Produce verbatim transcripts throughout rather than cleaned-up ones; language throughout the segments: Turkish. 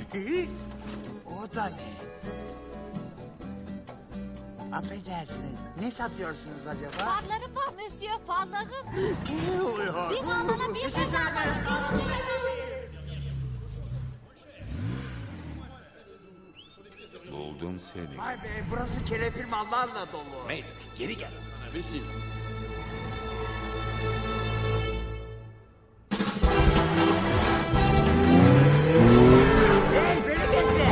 O da ne? Affedersiniz, ne satıyorsunuz acaba? Farlarım var monsieur, farlarım. Ne oluyor? Bir alana bir Teşekkür bedava. Buldum seni. Vay be, burası kelepir mallarla dolu. Mater, geri gel. Imbécile. Hey, beni bekle.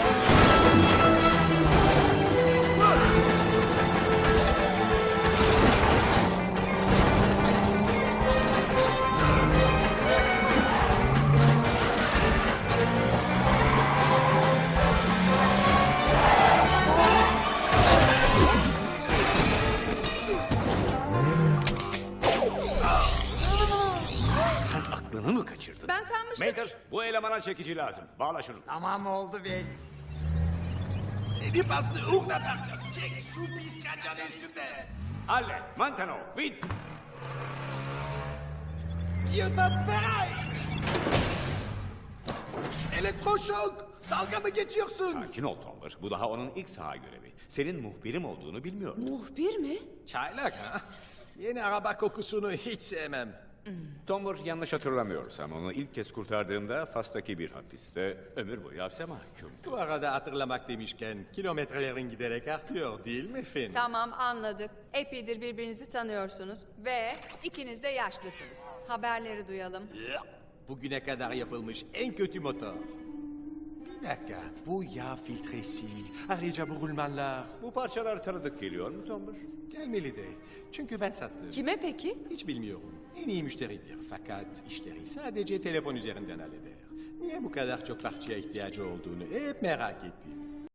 Sen aklını mı kaçırdın? Ben sanmıştım. Mater, bu elemana çekici lazım. Bağla şunu. Tamam oldu be. Seni bastı uğruna bakacağız. Çek şu pis kancanı üstünden. Alle, Mantano, Wind. Giyotat Feray. Elektroşok. Dalga mı geçiyorsun? Sakin ol Tomber. Bu daha onun ilk saha görevi. Senin muhbirim olduğunu bilmiyordum. Muhbir mi? Çaylak ha? Yeni araba kokusunu hiç sevmem. Tomber yanlış hatırlamıyorsam onu ilk kez kurtardığımda Fas'taki bir hapiste ömür boyu hapse mahkum. Bu arada hatırlamak demişken kilometrelerin giderek artıyor değil mi Finn? Tamam anladık. Epeydir birbirinizi tanıyorsunuz. Ve ikiniz de yaşlısınız. Haberleri duyalım. Bugüne kadar yapılmış en kötü motor. Bir dakika, bu yağ filtresi, ayrıca bu rulmanlar Bu parçalar tanıdık geliyor mu Tomber? gelmeli de. Çünkü ben sattım. Kime peki? Hiç bilmiyorum. En iyi müşteridir fakat işleri sadece telefon üzerinden halleder. Niye bu kadar çok parçaya ihtiyacı olduğunu hep merak ettim.